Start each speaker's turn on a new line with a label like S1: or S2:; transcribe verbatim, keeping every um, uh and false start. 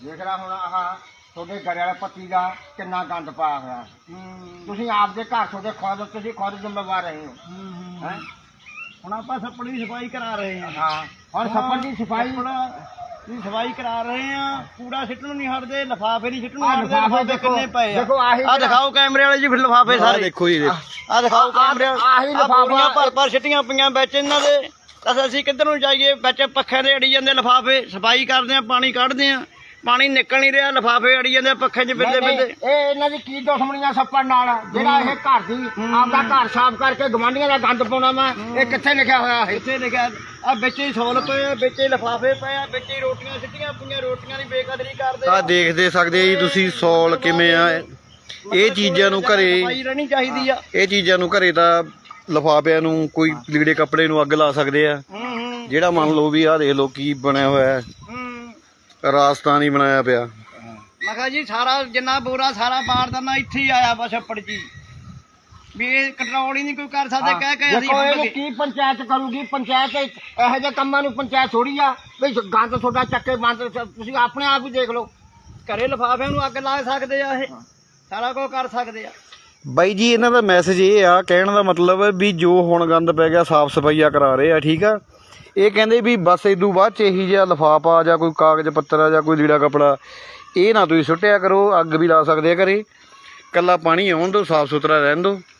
S1: ਦੇਖ ਲਾ ਹੁਣ ਆਹ ਤੁਹਾਡੇ ਘਰ ਵਾਲੇ ਪੱਤੀ ਦਾ ਕਿੰਨਾ ਗੰਦ ਪਾਇਆ ਹੋਇਆ। ਤੁਸੀਂ ਆਪਦੇ ਘਰ ਤੁਹਾਡੇ ਖੁਦ ਤੁਸੀਂ ਖੁਦ ਜ਼ਿੰਮੇਵਾਰ ਰਹੇ ਹੋ ਹੈ।
S2: ਹੁਣ ਆਪਾਂ ਛੱਪੜ ਦੀ ਸਫਾਈ ਕਰਾ ਰਹੇ ਹਾਂ।
S1: ਹਾਂ ਹੁਣ ਛੱਪੜ ਦੀ ਸਫਾਈ
S2: ਦੀ ਸਫਾਈ ਕਰਾ ਰਹੇ ਆ। ਕੂੜਾ ਸਿੱਟਣ ਨਹੀਂ ਹਟਦੇ, ਲਿਫਾਫੇ ਨਹੀਂ ਸਿੱਟਣ
S1: ਆਹ
S2: ਹਟਦੇ।
S1: ਲਿਫਾਫੇ
S2: ਲਿਫਾਫੇ ਕਿੰਨੇ ਪਏ ਆ
S1: ਦੇਖੋ ਆਹੀ
S2: ਆਹ ਦਿਖਾਓ ਕੈਮਰੇ ਵਾਲੇ ਜੀ, ਫਿਰ ਲਿਫਾਫੇ ਸਾਰੇ
S3: ਦੇਖੋ ਜੀ,
S2: ਆਹ ਦਿਖਾਓ ਕੈਮਰੇ
S1: ਆਹੀ
S2: ਲਿਫਾਫਾ
S1: ਲਿਫਾਫਾ
S2: ਭਰ ਭਰ ਸਿੱਟੀਆਂ ਪਈਆਂ ਵਿੱਚ ਇਹਨਾਂ ਦੇ। ਤਾਂ ਅਸੀਂ ਕਿੱਧਰ ਨੂੰ ਜਾਈਏ? ਵਿੱਚ ਪੱਖੇ ਦੇ ਅੜੀ ਜਾਂਦੇ ਲਿਫਾਫੇ, ਸਫਾਈ ਕਰਦੇ ਆ, ਪਾਣੀ ਕੱਢਦੇ ਆ, ਪਾਣੀ ਨਿਕਲ ਨਹੀਂ ਰਿਹਾ, ਲਿਫਾਫੇ ਅੜੀ ਜਾਂਦੇ ਪੱਖੇ 'ਚ ਬਿੰਦੇ ਬਿੰਦੇ।
S1: ਇਹ ਇਹਨਾਂ ਦੀ ਕੀ ਦੁਸ਼ਮਣੀਆਂ ਛੱਪੜ ਨਾਲ? ਜਿਹੜਾ ਇਹ ਘਰ ਦੀ ਆਪਦਾ ਘਰ ਸਾਫ਼ ਕਰਕੇ ਗਵਾਂਢੀਆਂ ਦਾ ਗੰਦ ਪਾਉਣਾ ਵਾ, ਇਹ ਕਿੱਥੇ ਲਿਖਿਆ ਹੋਇਆ ਹੈ?
S2: ਇੱਥੇ ਲਿਖਿਆ ਆ ਵਿੱਚ ਹੀ ਸੌਲ ਪਏ ਆ, ਵਿੱਚ ਹੀ ਲਿਫਾਫੇ ਪਏ ਆ, ਵਿੱਚ ਹੀ ਰੋਟੀਆਂ ਸਿੱਟੀਆਂ ਪਈਆਂ, ਰੋਟੀਆਂ ਦੀ ਬੇਕਦਰੀ ਕਰਦੇ
S3: ਆ ਦੇਖਦੇ ਸਕਦੇ ਆ ਜੀ ਤੁਸੀਂ ਸੌਲ ਕਿਵੇਂ ਆ। ਇਹ ਚੀਜ਼ਾਂ ਨੂੰ ਘਰੇ
S2: ਸਫਾਈ ਰਹਿਣੀ ਚਾਹੀਦੀ ਆ।
S3: ਇਹ ਚੀਜ਼ਾਂ ਨੂੰ ਘਰੇ ਤਾਂ ਲਿਫਾਫਿਆਂ ਨੂੰ ਕੋਈ ਲੀੜੇ ਕੱਪੜੇ ਨੂੰ ਅੱਗ ਲਾ ਸਕਦੇ ਆ।
S2: ਹੂੰ ਹੂੰ
S3: ਜਿਹੜਾ ਮੰਨ ਲਓ ਵੀ ਆਹ ਦੇਖ ਲਓ ਕੀ ਬਣਿਆ ਹੋਇਆ ਹੈ,
S2: ਹੂੰ
S3: ਰਾਜਸਥਾਨ ਹੀ ਬਣਾਇਆ ਪਿਆ।
S2: ਮੈਂ ਕਿਹਾ ਜੀ ਸਾਰਾ ਜਿੰਨਾ ਬੋਰਾ ਸਾਰਾ ਬਾਰਦਾਨਾ ਇੱਥੇ ਹੀ ਆਇਆ ਵਾ ਛੱਪੜ ਜੀ, ਵੀ ਇਹ ਕੰਟਰੋਲ ਹੀ ਨਹੀਂ ਕੋਈ ਕਰ ਸਕਦੇ। ਕਹਿ ਕੇ ਅਸੀਂ
S1: ਦੇਖੋ ਇਹਨੂੰ
S2: ਹੁਣ
S1: ਕੀ ਪੰਚਾਇਤ ਕਰੂਗੀ? ਪੰਚਾਇਤ ਇਹੋ ਜਿਹੇ ਕੰਮਾਂ ਨੂੰ ਪੰਚਾਇਤ ਥੋੜੀ ਆ ਵੀ ਗੰਦ ਤੁਹਾਡਾ ਚੱਕੇ ਬੰਦ। ਤੁਸੀਂ ਆਪਣੇ ਆਪ ਹੀ ਦੇਖ ਲਓ।
S2: ਘਰੇ ਲਿਫਾਫਿਆਂ ਨੂੰ ਅੱਗ ਲਾ ਸਕਦੇ ਆ, ਇਹ ਸਾਰਾ ਕੁਝ ਕਰ ਸਕਦੇ ਆ।
S3: ਬਾਈ ਜੀ ਇਹਨਾਂ ਦਾ ਮੈਸੇਜ ਇਹ ਆ, ਕਹਿਣ ਦਾ ਮਤਲਬ ਵੀ ਜੋ ਹੁਣ ਗੰਦ ਪੈ ਗਿਆ ਸਾਫ਼ ਸਫਾਈਆ ਕਰਾ ਰਹੇ ਆ, ਠੀਕ ਆ। ਇਹ ਕਹਿੰਦੇ ਵੀ ਬਸ ਇਦੋਂ ਬਾਅਦ 'ਚ ਇਹੀ ਜਿਹਾ ਲਿਫਾਫਾ ਜਾਂ ਕੋਈ ਕਾਗਜ਼ ਪੱਤਰ ਜਾਂ ਕੋਈ ਲੀੜਾ ਕੱਪੜਾ ਇਹ ਨਾ ਤੁਸੀਂ ਸੁੱਟਿਆ ਕਰੋ। ਅੱਗ ਵੀ ਲਾ ਸਕਦੇ ਆ ਘਰੇ, ਇਕੱਲਾ ਪਾਣੀ ਆਉਣ ਦਿਓ, ਸਾਫ਼ ਸੁਥਰਾ ਰਹਿਣ ਦਿਓ।